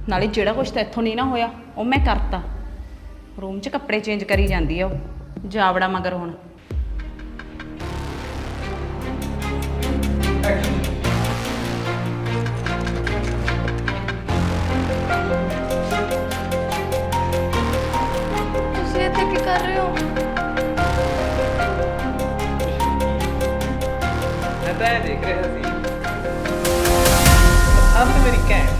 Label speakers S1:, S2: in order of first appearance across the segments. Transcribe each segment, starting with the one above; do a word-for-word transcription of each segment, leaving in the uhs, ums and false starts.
S1: ਨਾਲੇ ਜਿਹੜਾ ਕੁਛ ਤਾਂ ਇੱਥੋਂ ਨਹੀਂ ਨਾ ਹੋਇਆ ਉਹ ਮੈਂ ਕਰਤਾ। ਰੂਮ 'ਚ ਕੱਪੜੇ ਚੇਂਜ ਕਰੀ ਜਾਂਦੀ ਆ ਉਹ ਜਾਵੜਾ ਮਗਰ ਹੁਣ।
S2: ਤੁਸੀਂ ਇੱਥੇ ਕੀ ਕਰ ਰਹੇ ਹੋ?
S3: मैं तो देख रहा सी अब तो मेरी कैट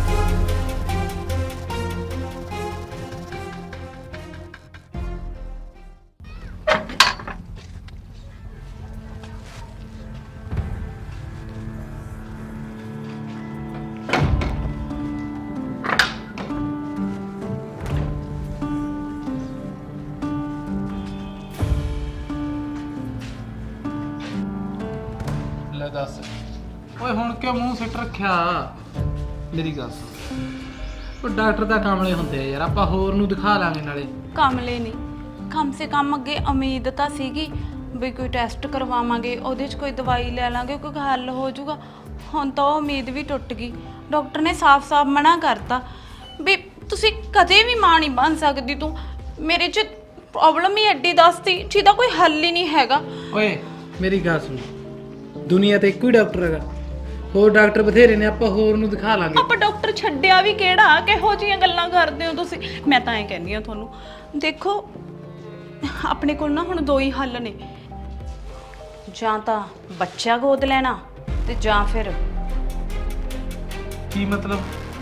S3: ਲੈ ਦੱਸ ਓਏ ਹੁਣ ਕਿਉਂ ਮੂੰਹ ਸਿੱਟ ਰੱਖਿਆ? ਮੇਰੀ ਗੱਲ ਸੁਣ, ਉਹ ਡਾਕਟਰ ਦਾ ਕਾਮਲੇ ਹੁੰਦੇ ਆ ਯਾਰ, ਆਪਾਂ ਹੋਰ ਨੂੰ ਦਿਖਾ ਲਾਂਗੇ ਨਾਲੇ।
S1: ਕਾਮਲੇ ਨਹੀਂ, ਕਮ ਸੇ ਕਮ ਅੱਗੇ ਉਮੀਦ ਤਾਂ ਸੀਗੀ ਵੀ ਕੋਈ ਟੈਸਟ ਕਰਵਾਵਾਂਗੇ, ਉਹਦੇ 'ਚ ਕੋਈ ਦਵਾਈ ਲੈ ਲਾਂਗੇ, ਕੋਈ ਹੱਲ ਹੋ ਜਾਊਗਾ। ਹੁਣ ਤਾਂ ਉਹ ਉਮੀਦ ਵੀ ਟੁੱਟ ਗਈ। ਡਾਕਟਰ ਨੇ ਸਾਫ਼-ਸਾਫ਼ ਮਨਾ ਕਰਤਾ ਵੀ ਤੁਸੀਂ ਕਦੇ ਵੀ ਮਾਂ ਨਹੀਂ ਬਣ ਸਕਦੀ। ਤੂੰ ਮੇਰੇ 'ਚ ਪ੍ਰੋਬਲਮ ਹੀ ਐਡੀ ਦੱਸਤੀ ਜਿਹਦਾ ਕੋਈ ਹੱਲ ਹੀ ਨਹੀਂ ਹੈਗਾ।
S3: ਓਏ ਮੇਰੀ ਗੱਲ ਸੁਣ, ਦੁਨੀਆ ਤੇ ਇੱਕੋ ਹੀ ਡਾਕਟਰ ਹੈਗਾ, ਹੋਰ ਡਾਕਟਰ ਬਥੇਰੇ ਨੇ, ਆਪਾਂ ਹੋਰ ਨੂੰ ਦਿਖਾ ਲਾਂਗੇ।
S1: ਆਪਾਂ ਡਾਕਟਰ ਛੱਡਿਆ ਵੀ ਕਿਹੜਾ? ਕਿਹੋ ਜਿਹੀਆਂ ਗੱਲਾਂ ਕਰਦੇ ਹੋ ਤੁਸੀਂ? ਮੈਂ ਤਾਂ ਐਂ ਕਹਿੰਦੀ ਹਾਂ ਤੁਹਾਨੂੰ, ਦੇਖੋ ਆਪਣੇ ਕੋਲ ਨਾ ਹੁਣ ਦੋ ਹੀ ਹੱਲ ਨੇ, ਜਾਂ ਤਾਂ ਬੱਚਾ ਗੋਦ ਲੈਣਾ ਤੇ ਜਾਂ ਫਿਰ
S3: ਕੀ ਮਤਲਬ?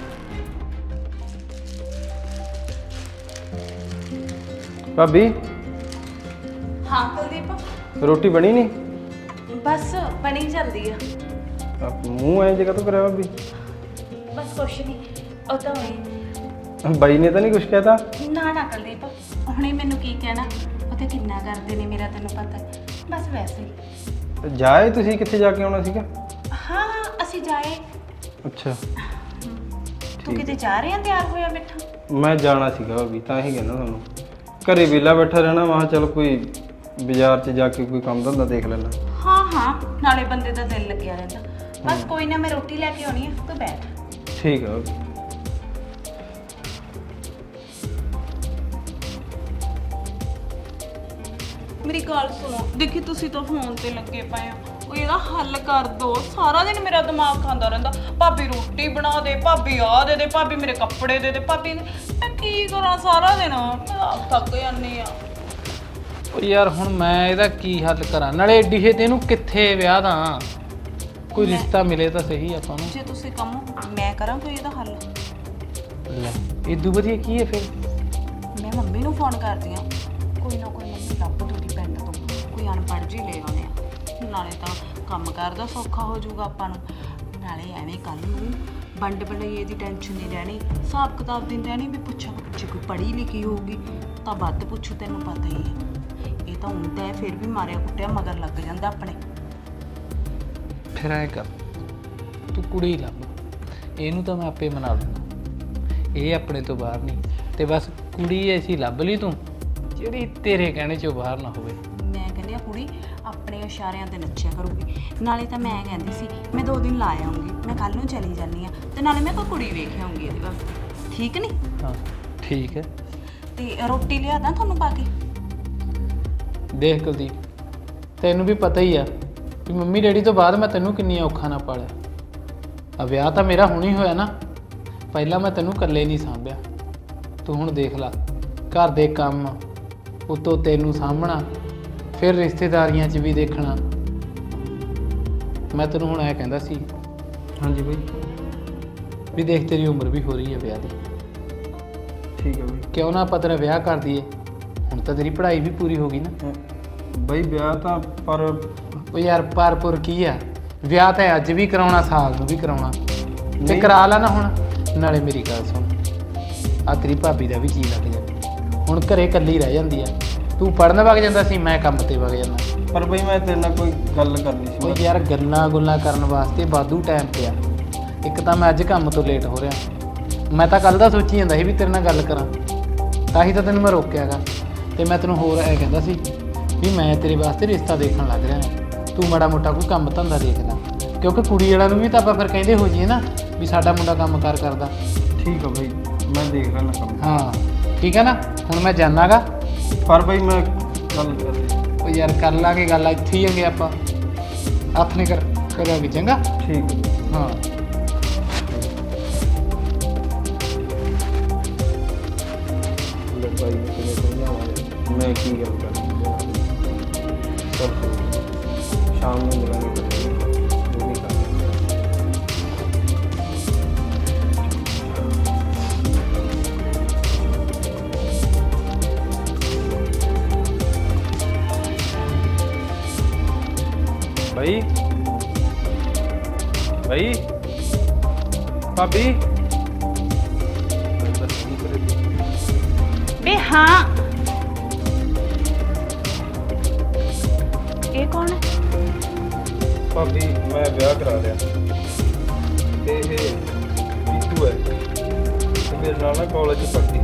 S4: ਭਾਬੀ
S1: ਹਾਂ ਕੁਲਦੀਪ,
S4: ਰੋਟੀ ਬਣੀ ਨਹੀਂ?
S1: ਬਸ ਬਣੀ ਜਾਂਦੀ ਆ।
S4: ਆਪ ਮੂੰਹ ਐਂ ਜਗ੍ਹਾ ਤੋਂ ਕਰਿਆ ਭਾਬੀ?
S1: ਬਸ ਕੁਛ ਨਹੀਂ, ਉਹ ਤਾਂ ਹੋਈ
S4: ਬਾਈ ਨੇ ਤਾਂ ਨਹੀਂ ਕੁਛ ਕਹਿਤਾ?
S1: ਨਾ ਨਾ ਕੁਲਦੀਪ, ਹੁਣੇ ਮੈਨੂੰ ਕੀ ਕਹਿਣਾ, ਉਹ ਤੇ ਕਿੰਨਾ ਕਰਦੇ ਨੇ ਮੇਰਾ ਤੈਨੂੰ ਪਤਾ ਹੈ। ਬਸ ਵੈਸੇ ਹੀ।
S4: ਜਾਏ ਤੁਸੀਂ ਕਿੱਥੇ ਜਾ ਕੇ ਆਉਣਾ ਸੀਗਾ?
S1: ਹਾਂ ਅਸੀਂ ਜਾਏ।
S4: ਅੱਛਾ
S1: ਤੂੰ ਕਿਤੇ ਜਾ ਰਿਹਾ ਤਿਆਰ ਹੋਇਆ ਬੈਠਾ?
S4: ਮੈਂ ਜਾਣਾ ਸੀਗਾ ਭਾਬੀ, ਤਾਂ ਹੀ ਕਹਿੰਦਾ ਤੁਹਾਨੂੰ। ਘਰੇ ਵਿਹਲਾ ਬੈਠਾ ਰਹਿਣਾ, ਮੈਂ ਕਿਹਾ ਚੱਲ ਕੋਈ ਬਾਜ਼ਾਰ 'ਚ ਜਾ ਕੇ ਕੋਈ ਕੰਮ ਧੰਦਾ ਦੇਖ ਲੈਣਾ।
S1: ਹਾਂ ਹਾਂ, ਨਾਲੇ ਬੰਦੇ ਦਾ ਦਿਲ ਲੱਗਿਆ ਰਹਿੰਦਾ। ਬਸ ਕੋਈ ਨਾ, ਮੈਂ ਰੋਟੀ ਲੈ ਕੇ ਆਉਣੀ ਆ, ਤੂੰ ਬੈਠ।
S4: ਠੀਕ ਆ ਭਾਬੀ।
S1: ਮੇਰੀ ਗੱਲ ਸੁਣੋ, ਦੇਖੀ ਤੁਸੀਂ ਤਾਂ ਫੋਨ ਤੇ ਲੱਗੇ ਪਏ ਹੋ, ਉਹ ਇਹਦਾ ਹੱਲ ਕਰ ਦੋ। ਸਾਰਾ ਦਿਨ ਮੇਰਾ ਦਿਮਾਗ ਖਾਂਦਾ ਰਹਿੰਦਾ, ਭਾਬੀ ਰੋਟੀ ਬਣਾ ਦੇ, ਭਾਬੀ ਆ ਦੇ ਦੇ, ਭਾਬੀ ਮੇਰੇ ਕੱਪੜੇ ਦੇ ਦੇ, ਭਾਬੀ ਮੈਂ ਕੀ ਕਰਾਂ ਸਾਰਾ ਦਿਨ? ਮੈਂ ਆਪ ਥੱਕ ਜਾਂਦੀ ਆ।
S3: ਓ ਯਾਰ ਹੁਣ ਮੈਂ ਇਹਦਾ ਕੀ ਹੱਲ ਕਰਾਂ? ਨਾਲੇ ਏਡੀ ਛੇਤੀ ਇਹਨੂੰ ਕਿੱਥੇ ਵਿਆਹ ਦਾਂ? ਕੋਈ ਰਿਸ਼ਤਾ ਮਿਲੇ ਤਾਂ ਸਹੀ ਆਪਾਂ ਨੂੰ।
S1: ਜੇ ਤੁਸੀਂ ਕਹੋ ਮੈਂ ਕਰਾਂ ਕੋਈ ਇਹਦਾ ਹੱਲ।
S3: ਲੈ ਇਦੂ ਵਧੀਆ ਕੀ ਹੈ ਫਿਰ?
S1: ਮੈਂ ਮੰਮੀ ਨੂੰ ਫੋਨ ਕਰਦੀ ਆ, ਕੋਈ ਨਾ ਕੋਈ ਮੰਮੀ ਲੱਭ ਦੂਗੀ ਪਿੰਡ ਤੋਂ, ਕੋਈ ਅਨਪੜ੍ਹ ਜੀ ਲੈ ਆਉਂਦੇ ਆ, ਨਾਲੇ ਤਾਂ ਕੰਮ ਕਰਦਾ ਸੌਖਾ ਹੋ ਜਾਊਗਾ ਆਪਾਂ ਨੂੰ, ਨਾਲੇ ਐਵੇਂ ਕੱਲ ਨੂੰ ਵੰਡ ਵੰਡਈਏ ਦੀ ਟੈਨਸ਼ਨ ਨਹੀਂ ਰਹਿਣੀ, ਹਿਸਾਬ ਕਿਤਾਬ ਦੀ ਰਹਿਣੀ ਵੀ ਪੁੱਛਾਂ ਜੇ ਕੋਈ ਪੜ੍ਹੀ ਲਿਖੀ ਹੋਊਗੀ ਤਾਂ ਵੱਧ ਪੁੱਛੂ, ਤੈਨੂੰ ਪਤਾ ਹੀ ਹੈ। ਇਹ ਤਾਂ ਹੁੰਦਾ ਹੈ, ਫਿਰ ਵੀ ਮਾਰਿਆ ਕੁੱਟਿਆ ਮਗਰ ਲੱਗ ਜਾਂਦਾ ਆਪਣੇ।
S3: ਫਿਰ ਐ ਕਰ, ਤੂੰ ਕੁੜੀ ਲੱਭ, ਇਹਨੂੰ ਤਾਂ ਮੈਂ ਆਪੇ ਮਨਾ ਲੂੰਗਾ, ਇਹ ਆਪਣੇ ਤੋਂ ਬਾਹਰ ਨਹੀਂ। ਤੇ ਬਸ ਕੁੜੀ ਐਸੀ ਲੱਭ ਲਈ ਤੂੰ ਜਿਹੜੀ ਤੇਰੇ ਕਹਿਣੇ 'ਚੋਂ ਬਾਹਰ ਨਾ ਹੋਵੇ।
S1: ਮੈਂ ਕਹਿੰਦੀ ਆ ਕੁੜੀ ਆਪਣੇ ਇਸ਼ਾਰਿਆਂ ਤੇ ਨੱਚਿਆ ਕਰੂਗੀ। ਨਾਲੇ ਤਾਂ ਮੈਂ ਕਹਿੰਦੀ ਸੀ ਮੈਂ ਦੋ ਦਿਨ ਲਾ ਆਉਂਗੀ, ਮੈਂ ਕੱਲ ਨੂੰ ਚਲੀ ਜਾਂਦੀ ਆ, ਤੇ ਨਾਲੇ ਮੈਂ ਕੋਈ ਕੁੜੀ ਵੇਖ ਆਉਂਗੀ ਇਹਦੇ ਵਾਸਤੇ, ਠੀਕ ਨਹੀਂ?
S3: ਹਾਂ ਠੀਕ ਹੈ।
S1: ਤੇ ਰੋਟੀ ਲਿਆ ਦਾਂ ਤੁਹਾਨੂੰ ਪਾ ਕੇ?
S3: ਦੇਖ ਕੁਲਦੀਪ, ਤੈਨੂੰ ਵੀ ਪਤਾ ਹੀ ਆ ਕਿ ਮੰਮੀ ਡੈਡੀ ਤੋਂ ਬਾਅਦ ਮੈਂ ਤੈਨੂੰ ਕਿੰਨੀ ਔਖਾ ਨਾ ਪਾਲਿਆ। ਆ ਵਿਆਹ ਤਾਂ ਮੇਰਾ ਹੁਣ ਹੀ ਹੋਇਆ ਨਾ, ਪਹਿਲਾਂ ਮੈਂ ਤੈਨੂੰ ਇਕੱਲੇ ਨਹੀਂ ਸਾਂਭਿਆ। ਤੂੰ ਹੁਣ ਦੇਖ ਲਾ, ਘਰ ਦੇ ਕੰਮ ਉੱਤੋਂ ਤੈਨੂੰ ਸਾਂਭਣਾ, ਫਿਰ ਰਿਸ਼ਤੇਦਾਰੀਆਂ 'ਚ ਵੀ ਦੇਖਣਾ। ਮੈਂ ਤੈਨੂੰ ਹੁਣ ਐ ਕਹਿੰਦਾ ਸੀ,
S4: ਹਾਂਜੀ ਬਾਈ।
S3: ਵੀ ਦੇਖ ਤੇਰੀ ਉਮਰ ਵੀ ਹੋ ਰਹੀ ਹੈ ਵਿਆਹ ਦੀ,
S4: ਠੀਕ ਹੈ ਬਾਈ।
S3: ਕਿਉਂ ਨਾ ਆਪਾਂ ਤੇਰਾ ਵਿਆਹ ਕਰ ਦਈਏ? ਹੁਣ ਤਾਂ ਤੇਰੀ ਪੜ੍ਹਾਈ ਵੀ ਪੂਰੀ ਹੋ ਗਈ ਨਾ।
S4: ਬਾਈ ਵਿਆਹ ਤਾਂ ਪਰ
S3: ਉਹ ਯਾਰ ਪਰਪੁਰ ਕੀ ਆ, ਵਿਆਹ ਤਾਂ ਅੱਜ ਵੀ ਕਰਾਉਣਾ, ਸਾਲ ਨੂੰ ਵੀ ਕਰਾਉਣਾ, ਤੇ ਕਰਾ ਲਾ ਨਾ ਹੁਣ। ਨਾਲੇ ਮੇਰੀ ਗੱਲ ਸੁਣ, ਆ ਤੇਰੀ ਭਾਬੀ ਦਾ ਵੀ ਜੀ ਲੱਗ ਜਾਂਦਾ, ਹੁਣ ਘਰੇ ਇਕੱਲੀ ਰਹਿ ਜਾਂਦੀ ਆ। ਤੂੰ ਪੜ੍ਹਨ ਵਗ ਜਾਂਦਾ ਸੀ, ਮੈਂ ਕੰਮ ਤੇ ਵਗ ਜਾਂਦਾ।
S4: ਪਰ ਬਈ ਮੈਂ ਤੇਰੇ ਨਾਲ ਕੋਈ ਗੱਲ ਕਰਨੀ ਸੀ।
S3: ਉਹ ਯਾਰ ਗੱਲਾਂ ਗੁੱਲਾਂ ਕਰਨ ਵਾਸਤੇ ਵਾਧੂ ਟਾਈਮ ਪਿਆ। ਇੱਕ ਤਾਂ ਮੈਂ ਅੱਜ ਕੰਮ ਤੋਂ ਲੇਟ ਹੋ ਰਿਹਾ, ਮੈਂ ਤਾਂ ਕੱਲ ਦਾ ਸੋਚੀ ਜਾਂਦਾ ਸੀ ਵੀ ਤੇਰੇ ਨਾਲ ਗੱਲ ਕਰਾਂ, ਤਾਂ ਹੀ ਤਾਂ ਤੈਨੂੰ ਮੈਂ ਰੋਕਿਆਗਾ। ਤੇ ਮੈਂ ਤੈਨੂੰ ਹੋਰ ਐ ਕਹਿੰਦਾ ਸੀ ਵੀ ਮੈਂ ਤੇਰੇ ਵਾਸਤੇ ਰਿਸ਼ਤਾ ਦੇਖਣ ਲੱਗ ਰਿਹਾ, ਤੂੰ ਮਾੜਾ ਮੋਟਾ ਕੋਈ ਕੰਮ ਧੰਦਾ ਦੇਖਦਾ, ਕਿਉਂਕਿ ਕੁੜੀ ਵਾਲਿਆਂ ਨੂੰ ਵੀ ਤਾਂ ਆਪਾਂ ਫਿਰ ਕਹਿੰਦੇ ਹੋ ਜਾਈਏ ਨਾ ਵੀ ਸਾਡਾ ਮੁੰਡਾ ਕੰਮ ਕਾਰ ਕਰਦਾ।
S4: ਠੀਕ ਆ ਬਾਈ, ਮੈਂ ਦੇਖ ਲੈਣਾ ਕੰਮ।
S3: ਹਾਂ ਠੀਕ ਹੈ ਨਾ। ਹੁਣ ਮੈਂ ਜਾਣਾਗਾ।
S4: ਪਰ ਬਾਈ ਮੈਂ ਗੱਲ ਕਰ
S3: ਉਹ ਯਾਰ ਕਰ ਲਾਂਗੇ ਗੱਲ, ਇੱਥੇ ਹੀ ਹੈਗੇ ਆਪਾਂ। ਹੱਥ ਨਹੀਂ ਕਰ ਕਰਾਂਗੇ ਚੰਗਾ।
S4: ਠੀਕ ਹੈ।
S3: ਹਾਂ
S4: ਲੈ ਬਾਈ ਨੂੰ ਕਿਵੇਂ ਸਮਝਾਵਾਂ ਮੈਂ ਕੀ ਗੱਲ ਕਰਾਂ। ਚਲ ਸ਼ਾਮ ਨੂੰ ਮਿਲਾਂਗੇ ਜੋ ਵੀ ਕਰਨਾ। भाई भाई भाभी
S1: बे हाँ ये कौन है?
S4: भाभी मैं ब्याह करा लिया ते ये नीतू है ते मेरे नाल ना कॉलेज पढ़ती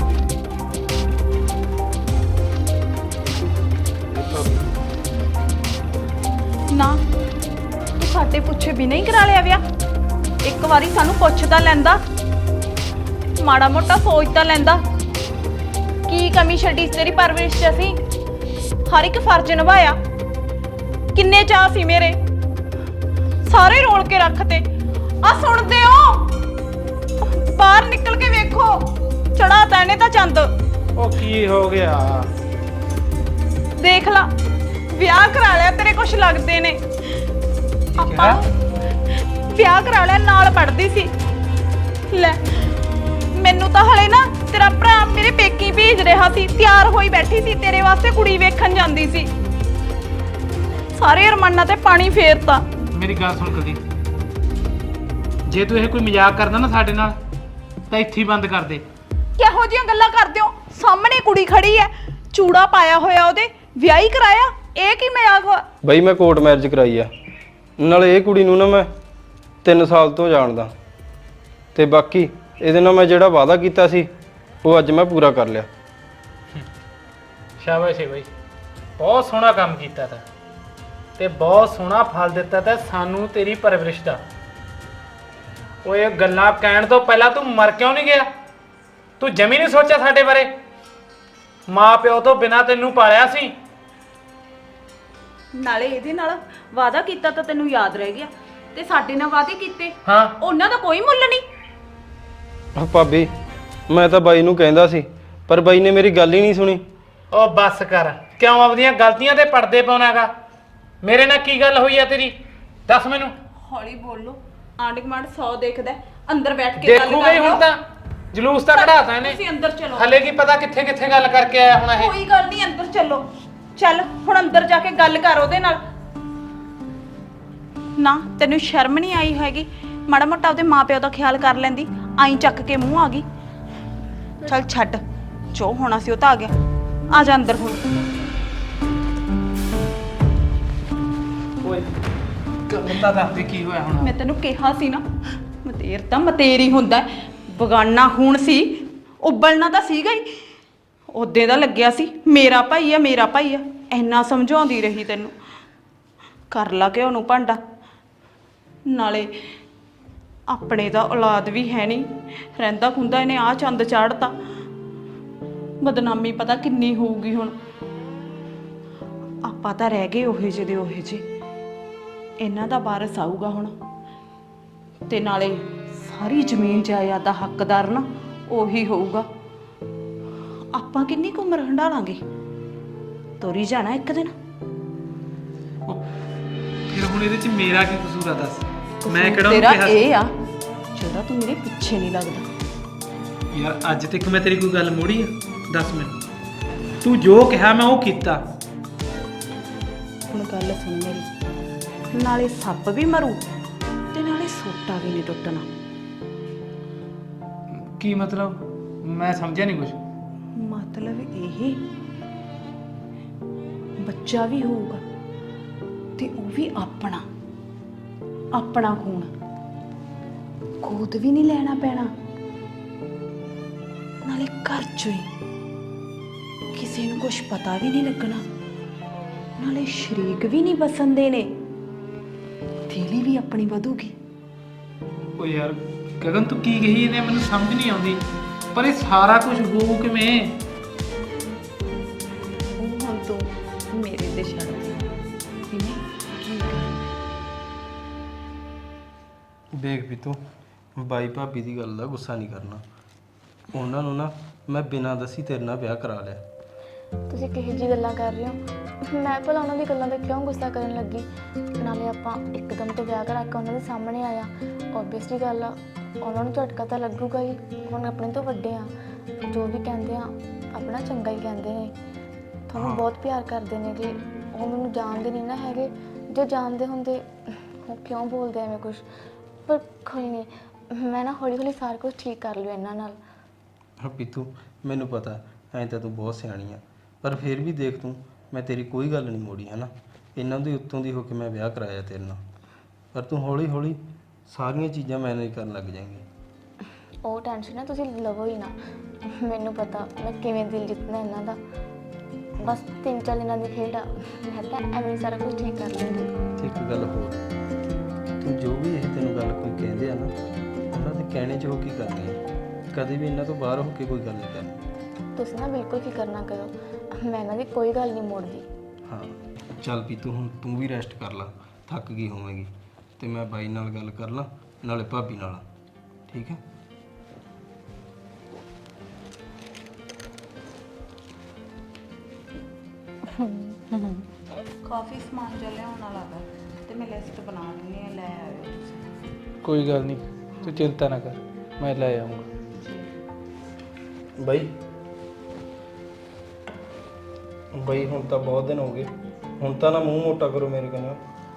S1: ना तू साडे पुछे भी नहीं करा लिया विआह। एक बारी सानू पुछ तां लैंदा, माड़ा मोटा सोच तां लैंदा। की कमी छड्डी तेरी परवरिश च असीं? हर एक फर्ज निभाया। किन्ने चाह सी मेरे, सारे रोल के रखते। आ सुनदे हो? बाहर निकल के वेखो, चढ़ा तैने तां चंद।
S3: ਉਹ ਕੀ ਹੋ ਗਿਆ?
S1: देख ला ਵਿਆਹ ਕਰਾ ਲਿਆ, ਤੇਰੇ ਕੁਛ ਲੱਗਦੇ ਨੇ। ਆਪਾਂ ਵਿਆਹ ਕਰਾ ਲਿਆ, ਨਾਲ ਪੜ੍ਹਦੀ ਸੀ। ਲੈ ਮੈਨੂੰ ਤਾਂ ਹਲੇ ਨਾ ਤੇਰਾ ਭਰਾ ਮੇਰੇ ਪੇਕੀ ਭੇਜ ਰਿਹਾ ਸੀ, ਤਿਆਰ ਹੋਈ ਬੈਠੀ ਸੀ ਤੇਰੇ ਵਾਸਤੇ ਕੁੜੀ ਵੇਖਣ ਜਾਂਦੀ ਸੀ। ਸਾਰੇ ਅਰਮਾਨਾਂ ਤੇ ਪਾਣੀ ਫੇਰਤਾ।
S3: ਮੇਰੀ ਗੱਲ ਸੁਣ ਕੁਲਦੀਪ, ਜੇ ਤੂੰ ਇਹ ਕੋਈ ਮਜ਼ਾਕ ਕਰਦਾ ਨਾ ਸਾਡੇ ਨਾਲ ਤਾਂ ਇੱਥੇ ਹੀ ਬੰਦ ਕਰ ਦੇ।
S1: ਕਿਹੋ ਜਿਹੀਆਂ ਗੱਲਾਂ ਕਰਦੇ ਹੋ? ਸਾਹਮਣੇ ਕੁੜੀ ਖੜੀ ਹੈ, ਚੂੜਾ ਪਾਇਆ ਹੋਇਆ ਉਹਦੇ, ਵਿਆਹੀ ਕਰਾਇਆ। ਇਹ ਕੀ ਮਜ਼ਾਕ ਵਾ?
S4: ਬਈ ਮੈਂ ਕੋਰਟ ਮੈਰਿਜ ਕਰਾਈ ਆ, ਨਾਲੇ ਇਹ ਕੁੜੀ ਨੂੰ ਨਾ ਮੈਂ ਤਿੰਨ ਸਾਲ ਤੋਂ ਜਾਣਦਾ ਤੇ ਬਾਕੀ ਇਹਦੇ ਨਾਲ ਮੈਂ ਜਿਹੜਾ ਵਾਅਦਾ ਕੀਤਾ ਸੀ ਉਹ ਅੱਜ ਮੈਂ ਪੂਰਾ ਕਰ ਲਿਆ।
S3: ਸ਼ਾਬਾਸ਼ ਏ ਬਾਈ, ਬਹੁਤ ਸੋਹਣਾ ਕੰਮ ਕੀਤਾ ਤਾ ਤੇ ਬਹੁਤ ਸੋਹਣਾ ਫਲ ਦਿੱਤਾ ਤਾ ਸਾਨੂੰ ਤੇਰੀ ਪਰਵਰਿਸ਼ ਦਾ। ਓਏ ਗੱਲਾਂ ਕਹਿਣ ਤੋਂ ਪਹਿਲਾਂ ਤੂੰ ਮਰ ਕਿਉਂ ਨਹੀਂ ਗਿਆ? ਤੂੰ ਜਮੀ ਨਹੀਂ ਸੋਚਿਆ ਸਾਡੇ ਬਾਰੇ? ਮਾਂ ਪਿਓ ਤੋਂ ਬਿਨਾਂ ਤੈਨੂੰ ਪਾਲਿਆ ਸੀ।
S1: ਨਾਲੇ ਇਹਦੇ ਨਾਲ ਵਾਅਦਾ ਕੀਤਾ ਤਾਂ ਤੈਨੂੰ ਯਾਦ ਰਹਿ ਗਿਆ, ਤੇ ਸਾਡੇ ਨਾਲ ਵਾਅਦੇ ਕੀਤੇ
S3: ਹਾਂ
S1: ਉਹਨਾਂ ਦਾ ਕੋਈ ਮੁੱਲ ਨਹੀਂ।
S4: ਆ ਭਾਬੀ ਮੈਂ ਤਾਂ ਬਾਈ ਨੂੰ ਕਹਿੰਦਾ ਸੀ ਪਰ ਬਾਈ ਨੇ ਮੇਰੀ ਗੱਲ ਹੀ ਨਹੀਂ ਸੁਣੀ।
S3: ਉਹ ਬੱਸ ਕਰ, ਕਿਉਂ ਆਪਣੀਆਂ ਗਲਤੀਆਂ ਤੇ ਪਰਦੇ ਪਾਉਣਾਗਾ? ਮੇਰੇ ਨਾਲ ਕੀ ਗੱਲ ਹੋਈ ਆ ਤੇਰੀ, ਦੱਸ ਮੈਨੂੰ।
S1: ਹੌਲੀ ਬੋਲੋ, ਆਂਢ ਗੁਆਂਢ ਸੌ ਦੇਖਦਾ, ਅੰਦਰ ਬੈਠ ਕੇ ਗੱਲ
S3: ਦੇਖੂਗੇ
S1: ਕਰ
S3: ਹੁਣ
S1: ਲਿਓ।
S3: ਤਾਂ ਜਲੂਸ ਤਾਂ ਕਢਾਤਾ ਇਹਨੇ।
S1: ਤੁਸੀਂ ਅੰਦਰ ਚਲੋ।
S3: ਹਲੇ ਕੀ ਪਤਾ ਕਿੱਥੇ ਕਿੱਥੇ ਗੱਲ ਕਰਕੇ ਆਇਆ ਹੁਣ ਇਹ।
S1: ਕੋਈ ਗੱਲ ਨਹੀਂ, ਅੰਦਰ ਚੱਲੋ। ਚੱਲ ਹੁਣ ਅੰਦਰ ਜਾ ਕੇ ਗੱਲ ਕਰ ਉਹਦੇ ਨਾਲ। ਨਾ ਤੈਨੂੰ ਸ਼ਰਮ ਨਹੀਂ ਆਈ ਹੈਗੀ? ਮਾੜਾ ਮੋਟਾ ਉਹਦੇ ਮਾਪਿਓ ਦਾ ਖਿਆਲ ਕਰ ਲੈਂਦੀ, ਆਈ ਚੱਕ ਕੇ ਮੂੰਹ ਆ ਗਈ। ਚੱਲ ਛੱਡ, ਜੋ ਹੋਣਾ ਸੀ ਉਹ ਤਾਂ ਆ ਗਿਆ। ਆ ਜਾ ਅੰਦਰ ਹੁਣ।
S3: ਓਏ ਕੰਮਤਾ ਦੱਸ ਦੇ ਕੀ ਹੋਇਆ ਹੁਣ?
S1: ਮੈਂ ਤੈਨੂੰ ਕਿਹਾ ਸੀ ਨਾ, ਮਤੇਰ ਤਾਂ ਮਤੇਰੀ ਹੁੰਦਾ, ਬਗਾਨਾ ਹੁਣ ਸੀ, ਉਬਲਣਾ ਤਾਂ ਸੀਗਾ ਹੀ। ਉਹਦੇ ਦਾ ਲੱਗਿਆ ਸੀ ਮੇਰਾ ਭਾਈ ਆ ਮੇਰਾ ਭਾਈ ਆ, ਇੰਨਾ ਸਮਝਾਉਂਦੀ ਰਹੀ ਤੈਨੂੰ। ਕਰ ਲਾ ਕਿ ਉਹਨੂੰ ਭਾਂਡਾ। ਨਾਲੇ ਆਪਣੇ ਦਾ ਔਲਾਦ ਵੀ ਹੈ ਨਹੀਂ, ਰਹਿੰਦਾ ਖੁੰਦਾ ਇਹਨੇ ਆ ਚੰਦ ਚਾੜਤਾ। ਬਦਨਾਮੀ ਪਤਾ ਕਿੰਨੀ ਹੋਊਗੀ ਹੁਣ। ਆਪਾਂ ਤਾਂ ਰਹਿ ਗਏ ਉਹੇ ਜਿਹੇ ਦੇ ਉਹੇ ਜਿਹੇ। ਇਹਨਾਂ ਦਾ ਵਾਰਸ ਆਊਗਾ ਹੁਣ, ਤੇ ਨਾਲੇ ਸਾਰੀ ਜ਼ਮੀਨ ਜਾਇਦਾਦ ਦਾ ਹੱਕਦਾਰ ਨਾ ਉਹੀ ਹੋਊਗਾ। ਆਪਾਂ ਕਿੰਨੀ ਕੁ ਉਮਰ ਹੰਡਾ ਲਾਂਗੇ, ਤੋਰੀ ਜਾਣਾ ਇੱਕ ਦਿਨ।
S3: ਫਿਰ ਹੁਣ ਇਹਦੇ ਚ ਮੇਰਾ ਕੀ ਕਸੂਰ ਆ ਦੱਸ? ਮੈਂ ਕਿਹੜਾ
S1: ਤੇਰਾ
S3: ਉਹਨੂੰ ਕਿਹਾ
S1: ਇਹ ਆ ਜਿਹੜਾ ਤੂੰ ਮੇਰੇ ਪਿੱਛੇ ਨਹੀਂ ਲੱਗਦਾ।
S3: ਯਾਰ ਅੱਜ ਤੱਕ ਮੈਂ ਤੇਰੀ ਕੋਈ ਗੱਲ ਮੋੜੀ ਆ? ਦੱਸ ਮੈਨੂੰ। ਤੂੰ ਜੋ ਕਿਹਾ ਮੈਂ ਉਹ ਕੀਤਾ।
S1: ਹੁਣ ਗੱਲ ਸੁਣ ਮੇਰੀ, ਨਾਲੇ ਸੱਪ ਵੀ ਮਰੂ ਤੇ ਨਾਲੇ ਸੋਟਾ ਵੀ ਨਹੀਂ ਟੁੱਟਣਾ।
S3: ਕੀ ਮਤਲਬ? ਮੈਂ ਸਮਝਿਆ ਨਹੀਂ ਕੁਝ।
S1: ਮਤਲਬ ਇਹ, ਬੱਚਾ ਵੀ ਹੋਊਗਾ ਤੇ ਉਹ ਵੀ ਆਪਣਾ ਆਪਣਾ ਖੂਨ, ਗੋਦ ਵੀ ਨਹੀਂ ਲੈਣਾ ਪੈਣਾ। ਨਾਲੇ ਘਰ ਚੋਂ ਹੀ ਕਿਸੇ ਨੂੰ ਕੁਝ ਪਤਾ ਵੀ ਨਹੀਂ ਲੱਗਣਾ। ਨਾਲੇ ਸ਼ਰੀਕ ਵੀ ਨਹੀਂ ਬਸਣ ਦੇਣੇ, ਥੇਲੀ ਵੀ ਆਪਣੀ ਵਧੂਗੀ।
S3: ਓ ਯਾਰ ਗਗਨ ਤੂੰ ਕੀ ਕਹੀ ਇਹਨੇ ਮੈਨੂੰ ਸਮਝ ਨਹੀਂ ਆਉਂਦੀ ਪਰ ਇਹ ਸਾਰਾ ਕੁਝ ਹੋਊ ਕਿਵੇਂ?
S1: ਹੁਣ ਤੂੰ ਮੇਰੇ ਤੇ ਛੱਡ ਕਿਵੇਂ ਕੀ ਕਰ
S4: ਦੇਖ ਵੀ ਤੂੰ ਬਾਈ ਭਾਬੀ ਦੀ ਗੱਲ ਦਾ ਗੁੱਸਾ ਨਹੀਂ ਕਰਨਾ। ਉਹਨਾਂ ਨੂੰ ਨਾ ਮੈਂ ਬਿਨਾਂ ਦੱਸੀ ਤੇਰੇ ਨਾਲ ਵਿਆਹ ਕਰਾ ਲਿਆ।
S2: ਤੁਸੀਂ ਕਿਹੋ ਜਿਹੀ ਗੱਲਾਂ ਕਰ ਰਹੇ ਹੋ? ਮੈਂ ਭਲਾ ਉਹਨਾਂ ਦੀ ਗੱਲਾਂ ਤੇ ਕਿਉਂ ਗੁੱਸਾ ਕਰਨ ਲੱਗੀ? ਨਾਲੇ ਆਪਾਂ ਇੱਕਦਮ ਤੋਂ ਵਿਆਹ ਕਰਾ ਕੇ ਉਹਨਾਂ ਦੇ ਸਾਹਮਣੇ ਆਇਆ। ਓਬਵੀਅਸਲੀ ਗੱਲ ਆ, ਉਹਨਾਂ ਨੂੰ ਝਟਕਾ ਤਾਂ ਲੱਗੂਗਾ ਹੀ। ਹੁਣ ਆਪਣੇ ਤੋਂ ਵੱਡੇ ਆ, ਜੋ ਵੀ ਕਹਿੰਦੇ ਆ ਆਪਣਾ ਚੰਗਾ ਹੀ ਕਹਿੰਦੇ ਨੇ। ਤੁਹਾਨੂੰ ਬਹੁਤ ਪਿਆਰ ਕਰਦੇ ਨੇ ਕਿ ਉਹ ਮੈਨੂੰ ਜਾਣਦੇ ਨਹੀਂ ਨਾ ਹੈਗੇ। ਜੇ ਜਾਣਦੇ ਹੁੰਦੇ ਉਹ ਕਿਉਂ ਬੋਲਦੇ ਐਵੇਂ ਕੁਛ? ਪਰ ਕੋਈ ਨਹੀਂ, ਮੈਂ ਨਾ ਹੌਲੀ ਹੌਲੀ ਸਾਰਾ ਕੁਝ ਠੀਕ ਕਰ ਲਿਓ ਇਹਨਾਂ ਨਾਲ।
S4: ਹਾਂ ਪੀਤੂ, ਮੈਨੂੰ ਪਤਾ ਐਂ ਤਾਂ ਤੂੰ ਬਹੁਤ ਸਿਆਣੀ ਆ, ਪਰ ਫਿਰ ਵੀ ਦੇਖ ਤੂੰ, ਮੈਂ ਤੇਰੀ ਕੋਈ ਗੱਲ ਨਹੀਂ ਮੋੜੀ ਹੈ ਨਾ। ਇਹਨਾਂ ਦੇ ਉੱਤੋਂ ਦੀ ਹੋ ਕੇ ਮੈਂ ਵਿਆਹ ਕਰਾਇਆ ਤੇਰੇ ਨਾਲ, ਪਰ ਤੂੰ ਹੌਲੀ ਹੌਲੀ ਸਾਰੀਆਂ ਚੀਜ਼ਾਂ ਮੈਨੇਜ ਕਰਨ ਲੱਗ ਜਾਏਂਗੀ।
S2: ਉਹ ਟੈਨਸ਼ਨ ਨਾ ਤੁਸੀਂ ਲਵੋ ਹੀ ਨਾ। ਮੈਨੂੰ ਪਤਾ ਮੈਂ ਕਿਵੇਂ ਦਿਲ ਜਿੱਤਣਾ ਇਹਨਾਂ ਦਾ। ਬਸ ਤਿੰਨ ਚਾਰ ਦਿਨਾਂ ਦੀ ਖੇਡ ਆ, ਮੈਂ ਤਾਂ ਐਵੇਂ ਹੀ ਸਾਰਾ ਕੁਝ ਠੀਕ ਕਰ ਲੂੰਗੀ।
S4: ਤੇ ਇੱਕ ਗੱਲ ਹੋਰ, ਤੂੰ ਜੋ ਵੀ ਇਹ ਤੈਨੂੰ ਗੱਲ ਕੋਈ ਕਹਿੰਦੇ ਆ ਨਾ, ਉਹਨਾਂ ਦੇ ਕਹਿਣੇ 'ਚ ਹੋ ਕੀ ਕਰਨੀ ਹੈ। ਕਦੇ ਵੀ ਇਹਨਾਂ ਤੋਂ ਬਾਹਰ ਹੋ ਕੇ ਕੋਈ ਗੱਲ ਨਹੀਂ ਕਰਨੀ।
S2: ਤੁਸੀਂ ਨਾ ਬਿਲਕੁਲ ਫਿਕਰ ਨਾ ਕਰੋ, ਮੈਂ ਇਹਨਾਂ ਦੀ ਕੋਈ ਗੱਲ ਨਹੀਂ ਮੋੜਦੀ।
S4: ਹਾਂ ਚੱਲ ਵੀ ਤੂੰ ਹੁਣ ਤੂੰ ਵੀ ਰੈਸਟ ਕਰ ਲੈ, ਥੱਕ ਗਈ ਹੋਵੇਂਗੀ, ਤੇ ਮੈਂ ਬਾਈ ਨਾਲ ਗੱਲ ਕਰ ਲਾਂ ਨਾਲੇ ਭਾਬੀ ਨਾਲ, ਠੀਕ ਹੈ?
S1: ਕਾਫੀ ਸਮਾਨ ਜਿਹਾ ਲਿਆਉਣ ਵਾਲਾ ਵਾ ਤੇ ਮੈਂ ਲਿਸਟ ਬਣਾ ਦਿੰਦੀ ਆ, ਲੈ ਆਇਓ ਤੁਸੀਂ।
S3: ਕੋਈ ਗੱਲ ਨਹੀਂ, ਤੂੰ ਚਿੰਤਾ ਨਾ ਕਰ, ਮੈਂ ਲੈ ਆਉਂਗਾ।
S4: ਬਾਈ ਬਾਈ ਹੁਣ ਤਾਂ ਬਹੁਤ ਦਿਨ ਹੋ ਗਏ, ਹੁਣ ਤਾਂ ਨਾ ਮੂੰਹ ਮੋਟਾ ਕਰੋ ਮੇਰੇ ਕੋਲ।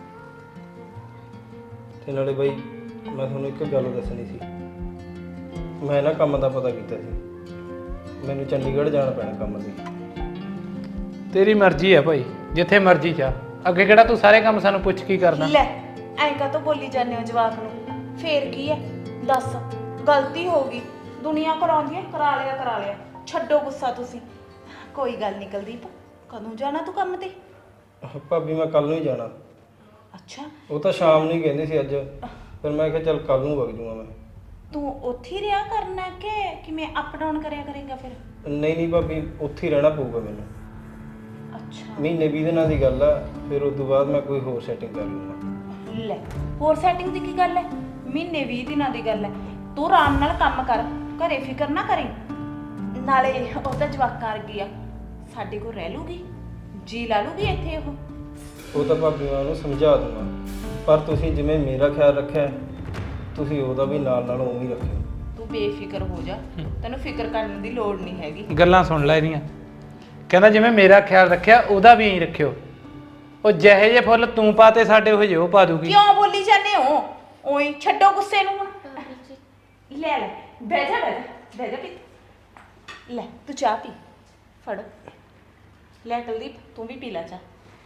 S4: ਤੇ ਨਾਲੇ ਬਾਈ ਮੈਂ ਤੁਹਾਨੂੰ ਇੱਕ ਗੱਲ ਦੱਸਣੀ ਸੀ। ਮੈਂ ਨਾ ਕੰਮ ਦਾ ਪਤਾ ਕੀਤਾ ਸੀ, ਮੈਨੂੰ ਚੰਡੀਗੜ੍ਹ ਜਾਣਾ ਪੈਣਾ ਕੰਮ ਲਈ।
S3: ਤੇਰੀ ਮਰਜ਼ੀ ਹੈ ਭਾਈ, ਜਿੱਥੇ ਮਰਜ਼ੀ ਜਾ। ਅੱਗੇ ਕਿਹੜਾ ਤੂੰ ਸਾਰੇ ਕੰਮ ਸਾਨੂੰ ਪੁੱਛ ਕੀ ਕਰਨਾ?
S1: ਲੈ ਐਂ ਕਾ ਤੋਂ ਬੋਲੀ ਜਾਂਦੇ ਹੋ ਜਵਾਕ ਨੂੰ? ਫੇਰ ਕੀ ਹੈ, ਦੱਸ ਗਲਤੀ ਹੋ ਗਈ, ਦੁਨੀਆ ਕਰਾਉਂਦੀ ਹੈ, ਕਰਾ ਲਿਆ ਕਰਾ ਲਿਆ, ਛੱਡੋ ਗੁੱਸਾ ਤੁਸੀਂ। ਕੋਈ ਗੱਲ ਨਹੀਂ ਕੁਲਦੀਪ, ਕਦੋਂ ਜਾਣਾ ਤੂੰ ਕੰਮ ਤੇ?
S4: ਭਾਬੀ ਮੈਂ ਕੱਲ ਨੂੰ ਹੀ ਜਾਣਾ।
S1: ਅੱਛਾ,
S4: ਉਹ ਤਾਂ ਸ਼ਾਮ ਨੂੰ ਹੀ ਕਹਿੰਦੇ ਸੀ ਅੱਜ, ਫਿਰ ਮੈਂ ਕਿਹਾ ਚੱਲ ਕੱਲ ਨੂੰ ਵਗ ਜੂਗਾ ਮੈਂ।
S1: ਤੂੰ ਉੱਥੇ ਹੀ ਰਿਹਾ ਕਰਨਾ ਕਿ ਕਿਵੇਂ ਅਪ ਡਾਊਨ ਕਰਿਆ ਕਰੇਗਾ ਫਿਰ?
S4: ਨਹੀਂ ਨਹੀਂ ਭਾਬੀ, ਉੱਥੇ ਹੀ ਰਹਿਣਾ ਪਊਗਾ ਮੈਨੂੰ।
S1: ਅੱਛਾ
S4: ਮਹੀਨੇ ਵੀਹ ਦਿਨਾਂ ਦੀ ਗੱਲ ਆ, ਫਿਰ ਉਸ ਤੋਂ ਬਾਅਦ ਮੈਂ ਕੋਈ ਹੋਰ ਸੈਟਿੰਗ ਕਰ ਲੂੰਗਾ।
S1: ਲੈ ਹੋਰ ਸੈਟਿੰਗ ਦੀ ਕੀ ਗੱਲ ਹੈ? ਮਹੀਨੇ ਵੀਹ ਦਿਨਾਂ ਦੀ ਗੱਲ ਹੈ। ਤੂੰ ਆਰਾਮ ਨਾਲ ਕੰਮ ਕਰ, ਘਰੇ ਫਿਕਰ ਨਾ ਕਰੀ। ਨਾਲੇ ਉਹ ਤਾਂ ਜਵਾਕਾਂ ਵਰਗੀ ਆ, ਸਾਡੇ ਕੋਲ ਰਹਿ ਲੂਗੀ, ਜੀ ਲਾ ਲੂਗੀ ਇੱਥੇ। ਉਹ
S4: ਉਹ ਤਾਂ ਭਾਬੀ ਮੈਂ ਉਹਨੂੰ ਸਮਝਾ ਦੂੰਗਾ, ਪਰ ਤੁਸੀਂ ਜਿਵੇਂ ਮੇਰਾ ਖਿਆਲ ਰੱਖਿਆ ਤੁਸੀਂ ਉਹਦਾ ਵੀ ਨਾਲ ਨਾਲ ਉਵੇਂ ਹੀ ਰੱਖਿਓ।
S1: ਤੂੰ ਬੇਫਿਕਰ ਹੋ ਜਾ, ਤੈਨੂੰ ਫਿਕਰ ਕਰਨ ਦੀ ਲੋੜ ਨਹੀਂ ਹੈਗੀ।
S3: ਗੱਲਾਂ ਸੁਣ ਲੈ ਇਹਦੀਆਂ। ਕਹਿੰਦਾ ਜਿਵੇਂ ਮੇਰਾ ਖਿਆਲ ਰੱਖਿਆ ਉਹਦਾ ਵੀ ਐਂ ਰੱਖਿਓ। ਉਹ ਜਿਹੇ ਜਿਹੇ ਫੁੱਲ ਤੂੰ ਪਾਤੇ ਸਾਡੇ ਉਹ ਜਿਹੇ ਉਹ ਪਾ ਦੂਗੀ।
S1: ਕਿਉਂ ਬੋਲੀ ਜਾਂਦੇ ਹੋ? ਓਏ ਛੱਡੋ ਗੁੱਸੇ ਨੂੰ ਹੁਣ। ਲੈ ਲੈ ਬਹਿ ਜਾ ਬਹਿ ਜਾ ਬਹਿ ਜਾ ਪੀ ਲੈ, ਤੂੰ ਚਾਹ ਪੀ, ਫੜ ਲੈ ਕੁਲਦੀਪ, ਤੂੰ ਵੀ ਪੀ ਲੈ ਚਾਹ।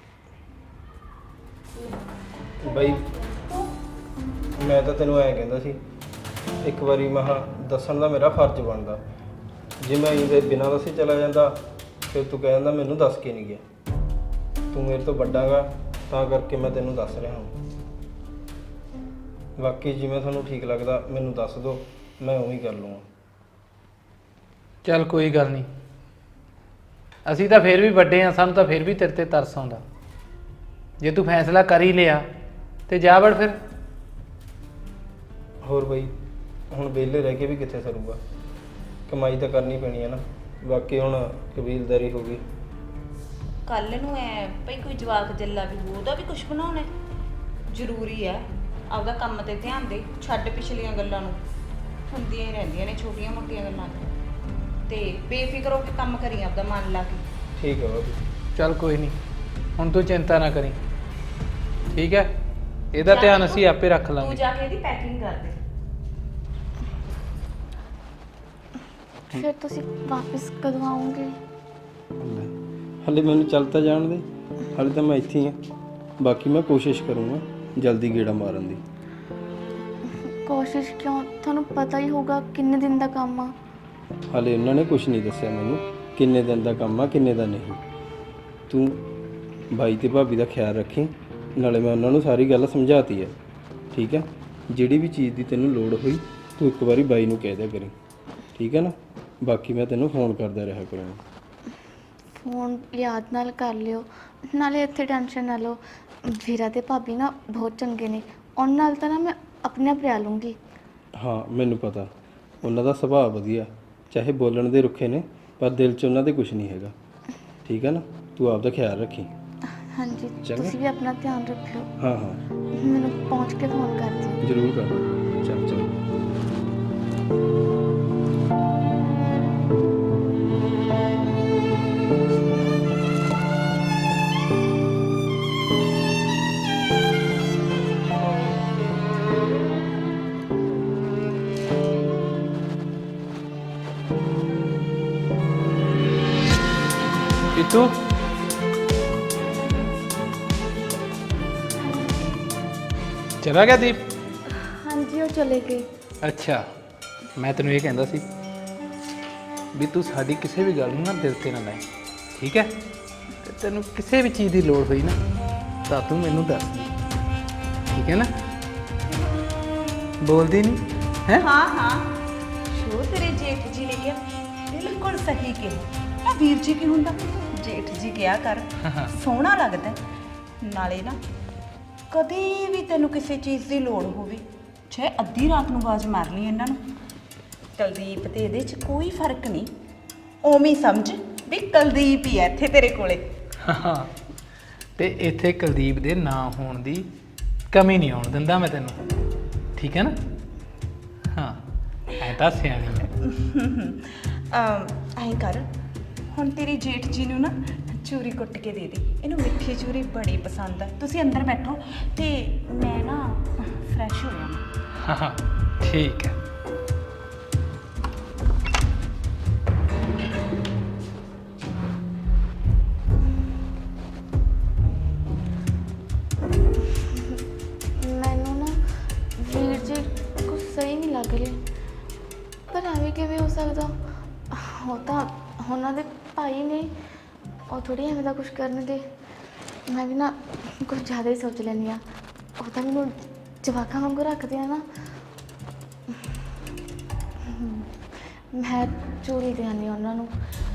S4: ਬਈ ਮੈਂ ਤਾਂ ਤੈਨੂੰ ਐਂ ਕਹਿੰਦਾ ਸੀ, ਇੱਕ ਵਾਰੀ ਮੈਂ ਕਿਹਾ ਦੱਸਣ ਦਾ ਮੇਰਾ ਫਰਜ਼ ਬਣਦਾ। ਜੇ ਮੈਂ ਇਹਦੇ ਬਿਨਾਂ ਦੱਸੇ ਚਲਾ ਜਾਂਦਾ ਫਿਰ ਤੂੰ ਕਹਿ ਜਾਂਦਾ ਮੈਨੂੰ ਦੱਸ ਕੇ ਨਹੀਂ ਗਿਆ। ਤੂੰ ਮੇਰੇ ਤੋਂ ਵੱਡਾ ਗਾ, ਤਾਂ ਕਰਕੇ ਮੈਂ ਤੈਨੂੰ ਦੱਸ ਰਿਹਾ ਹਾਂ। ਬਾਕੀ ਜਿਵੇਂ ਤੁਹਾਨੂੰ ਠੀਕ ਲੱਗਦਾ ਮੈਨੂੰ ਦੱਸ ਦਿਓ, ਮੈਂ ਉਵੇਂ ਹੀ ਕਰ ਲੂੰਗਾ।
S3: ਚੱਲ ਕੋਈ ਗੱਲ ਨਹੀਂ, ਅਸੀਂ ਤਾਂ ਫਿਰ ਵੀ ਵੱਡੇ ਆ, ਸਾਨੂੰ ਤਾਂ ਫਿਰ ਵੀ ਤੇਰੇ ਤੇ ਤਰਸ ਆਉਂਦਾ। ਜੇ ਤੂੰ ਫੈਸਲਾ ਕਰ ਹੀ ਲਿਆ ਤੇ ਜਾ ਵੜ ਫਿਰ।
S4: ਹੋਰ ਬਈ ਹੁਣ ਵਿਹਲੇ ਰਹਿ ਕੇ ਵੀ ਕਿੱਥੇ ਸਰੂਗਾ, ਕਮਾਈ ਤਾਂ ਕਰਨੀ ਪੈਣੀ ਹੈ ਨਾ। ਬਾਕੀ ਹੁਣ ਕਬੀਲਦਾਰੀ ਹੋ ਗਈ।
S1: ਕੱਲ ਨੂੰ ਐ ਭਈ ਕੋਈ ਜਵਾਕ ਜੱਲਾ ਵੀ ਹੋਊ, ਉਹਦਾ ਵੀ ਕੁਝ ਬਣਾਉਣਾ ਜ਼ਰੂਰੀ ਹੈ। ਆਪਦਾ ਕੰਮ ਤੇ ਧਿਆਨ ਦੇ, ਛੱਡ ਪਿਛਲੀਆਂ ਗੱਲਾਂ ਨੂੰ, ਹੁੰਦੀਆਂ ਹੀ ਰਹਿੰਦੀਆਂ ਨੇ ਛੋਟੀਆਂ ਮੋਟੀਆਂ ਗੱਲਾਂ ਤੇ ਬੇਫਿਕਰ ਹੋ ਕੇ ਕੰਮ ਕਰੀ, ਆਪਦਾ ਮਨ ਲਾ ਕੇ।
S4: ਠੀਕ ਹੈ ਬਾਬੂ।
S3: ਚੱਲ ਕੋਈ ਨਹੀਂ, ਹੁਣ ਤੂੰ ਚਿੰਤਾ ਨਾ ਕਰੀ, ਠੀਕ ਹੈ? ਇਹਦਾ ਧਿਆਨ ਅਸੀਂ ਆਪੇ ਰੱਖ
S1: ਤੂੰ
S3: ਲਾਂਗੇ।
S1: ਜਾ ਕੇ ਇਹਦੀ ਪੈਕਿੰਗ ਕਰ ਦੇ।
S2: ਫਿਰ ਤੁਸੀਂ ਵਾਪਸ ਕਦੋਂ ਆਓਗੇ?
S4: ਹਾਲੇ ਮੈਨੂੰ ਚੱਲ ਤਾਂ ਜਾਣ ਦੇ, ਹਾਲੇ ਤਾਂ ਮੈਂ ਇੱਥੇ ਹੀ ਹਾਂ। ਬਾਕੀ ਮੈਂ ਕੋਸ਼ਿਸ਼ ਕਰੂੰਗਾ ਜਲਦੀ ਗੇੜਾ ਮਾਰਨ ਦੀ।
S2: ਕੋਸ਼ਿਸ਼ ਕਿਉਂ? ਤੁਹਾਨੂੰ ਪਤਾ ਹੀ ਹੋਊਗਾ ਕਿੰਨੇ ਦਿਨ ਦਾ ਕੰਮ ਆ।
S4: ਹਾਲੇ ਉਹਨਾਂ ਨੇ ਕੁਝ ਨਹੀਂ ਦੱਸਿਆ ਮੈਨੂੰ ਕਿੰਨੇ ਦਿਨ ਦਾ ਕੰਮ ਆ ਕਿੰਨੇ ਦਾ ਨਹੀਂ। ਤੂੰ ਬਾਈ ਤੇ ਭਾਬੀ ਦਾ ਖਿਆਲ ਰੱਖੀ, ਨਾਲੇ ਮੈਂ ਉਹਨਾਂ ਨੂੰ ਸਾਰੀ ਗੱਲ ਸਮਝਾਤੀ ਹੈ, ਠੀਕ ਹੈ? ਜਿਹੜੀ ਵੀ ਚੀਜ਼ ਦੀ ਤੈਨੂੰ ਲੋੜ ਹੋਈ ਤੂੰ ਇੱਕ ਵਾਰੀ ਬਾਈ ਨੂੰ ਕਹਿ ਦਿਆ ਕਰੀ, ਠੀਕ ਹੈ ਨਾ। ਬਾਕੀ ਮੈਂ ਤੈਨੂੰ ਫੋਨ ਕਰਦਾ ਰਿਹਾ ਕਰਾਂਗਾ।
S2: ਫੋਨ ਯਾਦ ਨਾਲ ਕਰ ਲਿਓ, ਨਾਲੇ ਇੱਥੇ ਟੈਨਸ਼ਨ ਨਾ ਲਓ। ਵੀਰਾ ਤੇ ਭਾਬੀ ਨਾ ਬਹੁਤ ਚੰਗੇ ਨੇ, ਉਹਨਾਂ ਨਾਲ ਤਾਂ ਨਾ ਮੈਂ ਆਪਣੇ ਆਪ ਰਹਿ ਲੂੰਗੀ।
S4: ਹਾਂ ਮੈਨੂੰ ਪਤਾ, ਉਹਨਾਂ ਦਾ ਸੁਭਾਅ ਵਧੀਆ, ਚਾਹੇ ਬੋਲਣ ਦੇ ਰੁੱਖੇ ਨੇ ਪਰ ਦਿਲ 'ਚ ਉਹਨਾਂ ਦੇ ਕੁਝ ਨਹੀਂ ਹੈਗਾ, ਠੀਕ ਹੈ ਨਾ। ਤੂੰ ਆਪਦਾ ਖਿਆਲ ਰੱਖੀ।
S2: ਹਾਂਜੀ,
S4: ਚੰਗਾ।
S2: ਤੁਸੀਂ ਵੀ ਆਪਣਾ ਧਿਆਨ ਰੱਖਿਓ।
S4: ਹਾਂ ਹਾਂ
S2: ਮੈਨੂੰ ਪਹੁੰਚ ਕੇ ਫੋਨ ਕਰ ਦਿਓ।
S4: ਜ਼ਰੂਰ ਕਰ। ਚੱਲ ਚੱਲ।
S3: ਪੀਤੂ ਚਲਾ ਗਿਆ ਦੀਪ?
S2: ਹਾਂਜੀ, ਉਹ ਚਲੇ ਗਏ।
S3: ਅੱਛਾ, ਮੈਂ ਤੈਨੂੰ ਇਹ ਕਹਿੰਦਾ ਸੀ ਵੀ ਤੂੰ ਸਾਡੀ ਕਿਸੇ ਵੀ ਗੱਲ ਨੂੰ ਨਾ ਦਿਲ ਤੇ ਨਾ ਲੈ, ਠੀਕ ਹੈ। ਤੇ ਤੈਨੂੰ ਕਿਸੇ ਵੀ ਚੀਜ਼ ਦੀ ਲੋੜ ਹੋਈ ਨਾ ਤਾਂ ਤੂੰ ਮੈਨੂੰ ਦੱਸ ਦੇ, ਠੀਕ ਹੈ ਨਾ। ਬੋਲਦੀ ਨਹੀਂ ਹੈ?
S1: ਹਾਂ ਹਾਂ, ਸ਼ੋ ਤੇਰੇ ਜੇਠ ਜੀ ਨੇ ਕਿਹਾ ਬਿਲਕੁਲ ਸਹੀ ਕਿਹਾ। ਆ ਵੀਰ ਜੀ ਕੀ ਹੁੰਦਾ, ਜੇਠ ਜੀ ਕਿਹਾ ਕਰ, ਸੋਹਣਾ ਲੱਗਦਾ ਹੈ। ਨਾਲੇ ਨਾ ਕਦੇ ਵੀ ਤੈਨੂੰ ਕਿਸੇ ਚੀਜ਼ ਦੀ ਲੋੜ ਹੋਵੇ, ਚਾਹੇ ਅੱਧੀ ਰਾਤ ਨੂੰ ਆਵਾਜ਼ ਮਾਰ ਲਈ ਇਹਨਾਂ ਨੂੰ। ਕੁਲਦੀਪ ਤੇ ਇਹਦੇ 'ਚ ਕੋਈ ਫਰਕ ਨਹੀਂ, ਉਵੇਂ ਹੀ ਸਮਝ ਵੀ ਕੁਲਦੀਪ ਹੀ ਹੈ ਇੱਥੇ ਤੇਰੇ ਕੋਲੇ।
S3: ਹਾਂ, ਤੇ ਇੱਥੇ ਕੁਲਦੀਪ ਦੇ ਨਾਂ ਹੋਣ ਦੀ ਕਮੀ ਨਹੀਂ ਆਉਣ ਦਿੰਦਾ ਮੈਂ ਤੈਨੂੰ, ਠੀਕ ਹੈ ਨਾ। ਹਾਂ, ਐ ਤਾਂ ਸਿਆਣੀ ਹੈ।
S1: ਐਂ ਕਰ, ਹੁਣ ਤੇਰੀ ਜੇਠ ਜੀ ਨੂੰ ਨਾ ਚੂਰੀ ਕੁੱਟ ਕੇ ਦੇ ਦੇ, ਇਹਨੂੰ ਮਿੱਠੀ ਚੂਰੀ ਬੜੀ ਪਸੰਦ ਹੈ। ਤੁਸੀਂ ਅੰਦਰ ਬੈਠੋ ਤੇ ਮੈਂ ਨਾ ਫਰੈਸ਼ ਹੋ ਜਾਵਾਂ।
S3: ਹਾਂ ਹਾਂ ਠੀਕ ਹੈ।
S2: ਮੈਨੂੰ ਨਾ ਵੀਰ ਜੀ ਕੁਛ ਸਹੀ ਨਹੀਂ ਲੱਗ ਰਿਹਾ, ਪਰ ਐਵੇਂ ਕਿਵੇਂ ਹੋ ਸਕਦਾ? ਉਹ ਤਾਂ ਉਹਨਾਂ ਦੇ ਭਾਈ ਨੇ, ਉਹ ਥੋੜੀ ਐਵੇਂ ਦਾ ਕੁਝ ਕਰਨਗੇ। ਮੈਂ ਵੀ ਨਾ ਕੁਝ ਜ਼ਿਆਦਾ ਹੀ ਸੋਚ ਲੈਂਦੀ ਹਾਂ। ਉਹ ਤਾਂ ਮੈਨੂੰ ਜਵਾਕਾਂ ਵਾਂਗੂ ਰੱਖਦੇ ਆ ਨਾ। ਮੈਂ ਚੋਰੀ ਦੇ ਆਉਂਦੀ ਹਾਂ ਉਹਨਾਂ ਨੂੰ।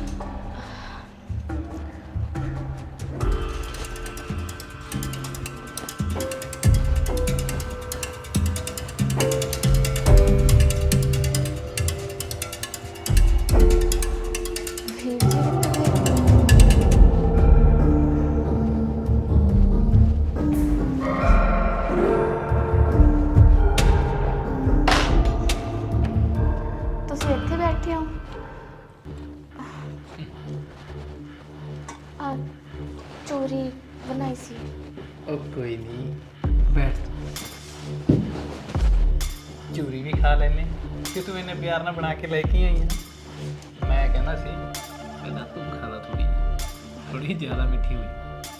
S2: ਵੀਰ ਜੀ ਤੁਸੀਂ ਇੱਥੇ ਬੈਠੇ ਹੋ? ਆ ਚੋਰੀ ਬਣਾਈ ਸੀ।
S3: ਉਹ ਕੋਈ ਨਹੀਂ, ਬੈਠ। ਚੂਰੀ ਵੀ ਖਾ ਲੈਨੇ ਕਿ ਤੂੰ ਇਹਨੇ ਪਿਆਰ ਨਾਲ ਬਣਾ ਕੇ ਲੈ ਕੇ ਆਈ ਹੈ। ਮੈਂ ਕਹਿੰਦਾ ਸੀ ਕਹਿੰਦਾ ਤੂੰ ਖਾ ਲਾ, ਥੋੜੀ ਥੋੜੀ ਜ਼ਿਆਦਾ ਮਿੱਠੀ ਹੋਈ।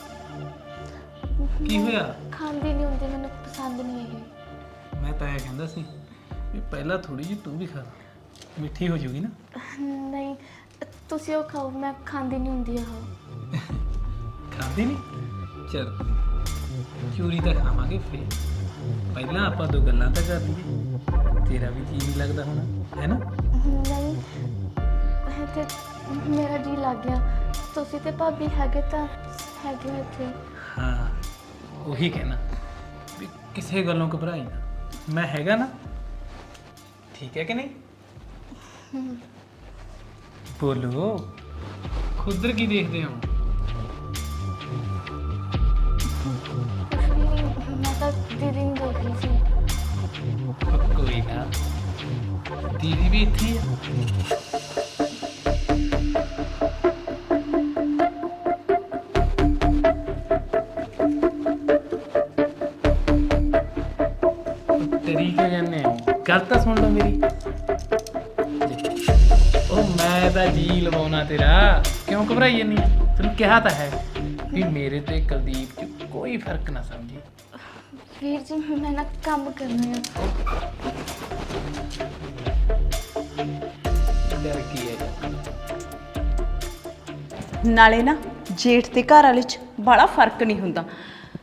S3: ਕੀ ਹੋਇਆ?
S2: ਖਾਂਦੀ ਨਹੀਂ ਹੁੰਦੀ, ਮੈਨੂੰ ਪਸੰਦ ਨਹੀਂ ਇਹ।
S3: ਮੈਂ ਤਾਂ ਇਹ ਕਹਿੰਦਾ ਸੀ ਵੀ ਪਹਿਲਾਂ ਥੋੜੀ ਜਿਹੀ ਤੂੰ ਵੀ ਖਾ ਲਾ, ਮਿੱਠੀ ਹੋ ਜੂਗੀ ਨਾ।
S2: ਨਹੀਂ, ਤੁਸੀਂ ਉਹ ਖਾਓ, ਮੈਂ ਖਾਂਦੀ ਨਹੀਂ ਹੁੰਦੀ ਉਹ।
S3: ਖਾਂਦੀ ਨਹੀਂ? ਚਲ ਚੂਰੀ ਤਾਂ ਖਾਵਾਂਗੇ ਫੇਰ, ਪਹਿਲਾਂ ਆਪਾਂ ਦੋ ਗੱਲਾਂ ਤਾਂ ਕਰ ਲਈਏ। ਤੇਰਾ ਵੀ ਜੀ ਨਹੀਂ ਲੱਗਦਾ ਹੋਣਾ, ਹੈ ਨਾ?
S2: ਨਹੀਂ, ਇਹ ਤੇ ਮੇਰਾ ਜੀ ਲੱਗ ਗਿਆ। ਤੁਸੀਂ ਤੇ ਭਾਬੀ ਹੈਗੇ ਤਾਂ ਹੈਗੇ ਹੋ ਇੱਥੇ।
S3: ਹਾਂ, ਉਹੀ ਕਹਿਣਾ ਵੀ ਕਿਸੇ ਗੱਲੋਂ ਘਬਰਾਈ ਨਾ, ਮੈਂ ਹੈਗਾ ਨਾ, ਠੀਕ ਹੈ ਕਿ ਨਹੀਂ? ਬੋਲੋ, ਖੁਦਰ ਕੀ ਦੇਖਦੇ ਹੋ?
S2: ਕੁਛ ਵੀ ਨਹੀਂ, ਮੈਂ ਤਾਂ ਦੀਦੀ ਨੂੰ ਦੇਖ ਰਹੀ ਸੀ।
S3: ਉਹ ਕੋਈ ਨਾ, ਦੀਦੀ ਵੀ ਇੱਥੇ ਹੀ ਆ। ਤੇਰੀ ਕਿਉਂ ਜਾਂਦੇ ਹੋ? ਗੱਲ ਤਾਂ ਸੁਣ ਲਓ ਮੇਰੀ। ਉਹ ਮੈਂ ਤਾਂ ਜੀ ਲਵਾਉਣਾ ਤੇਰਾ, ਕਿਉਂ ਘਬਰਾਈ ਜਾਂਦੀ ਆ? ਤੈਨੂੰ ਕਿਹਾ ਤਾਂ ਹੈ ਵੀ ਮੇਰੇ ਤੇ ਕੁਲਦੀਪ 'ਚ ਕੋਈ ਫਰਕ ਨਾ ਸਮਝੀ।
S2: ਵੀਰ ਜੀ, ਮੈਂ ਨਾ ਕੰਮ ਕਰਨਾ ਹੈ।
S3: ਡਰ ਕੀ ਹੈ?
S1: ਨਾਲੇ ਨਾ ਜੇਠ ਤੇ ਘਰ ਵਾਲੇ 'ਚ ਬੜਾ ਫਰਕ ਨਹੀਂ ਹੁੰਦਾ।